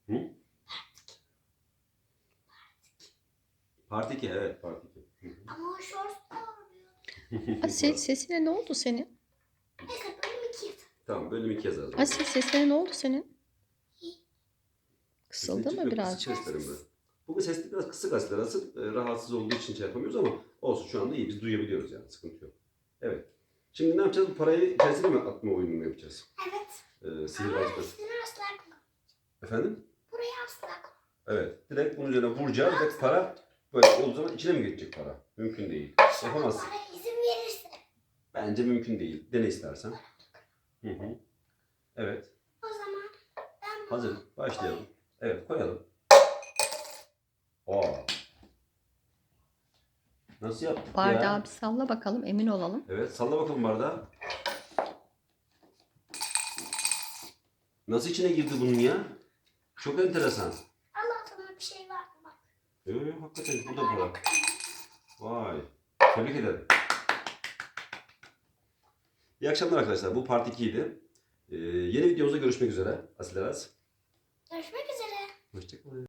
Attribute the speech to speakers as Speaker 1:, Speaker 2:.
Speaker 1: Hı? Part 2, evet Part 2.
Speaker 2: Ama o shorts da oluyor.
Speaker 3: Asil sesine ne oldu senin?
Speaker 2: Neyse bölüm 2 yazalım.
Speaker 1: Tamam, bölüm 2 yazalım.
Speaker 3: Asil sesine ne oldu senin? Kısıldı
Speaker 1: Sesini
Speaker 3: mı
Speaker 1: çıkıyor,
Speaker 3: birazcık?
Speaker 1: kısık seslerim ben. Bugün sesli biraz kısık aslında. Rahatsız olduğu için şey yapamıyoruz ama olsun, şu anda iyi. Biz duyabiliyoruz yani. Sıkıntı yok. Evet. Şimdi ne yapacağız? Bu parayı içerisine mi atma oyununu mu yapacağız?
Speaker 2: Evet. Ama
Speaker 1: Sihirbazlık.
Speaker 2: üstüne asla koyma.
Speaker 1: Efendim?
Speaker 2: Buraya asla koyma.
Speaker 1: Evet. Direkt bunun üzerine vuracağız ve para böyle olduğu zaman içine mi geçecek para? Mümkün değil. Yapamazsın.
Speaker 2: Bana izin verirse.
Speaker 1: Bence mümkün değil. Dene istersen. Hı hı. Evet.
Speaker 2: O zaman ben bunu
Speaker 1: Hazır. Başlayalım. Evet, koyalım. Aa. Nasıl yaptık
Speaker 3: Bardağı
Speaker 1: ya?
Speaker 3: bir salla bakalım, emin olalım.
Speaker 1: Evet, salla bakalım bardağı. Nasıl içine girdi bunun ya? Çok enteresan.
Speaker 2: Allah sana bir şey var mı bak.
Speaker 1: Hakikaten bu da para. Vay. Tebrik ederim. İyi akşamlar arkadaşlar. Bu part 2 idi. Yeni videomuzda görüşmek üzere. Asil Aras.
Speaker 2: Görüşmek üzere.
Speaker 1: Hoşçakalın.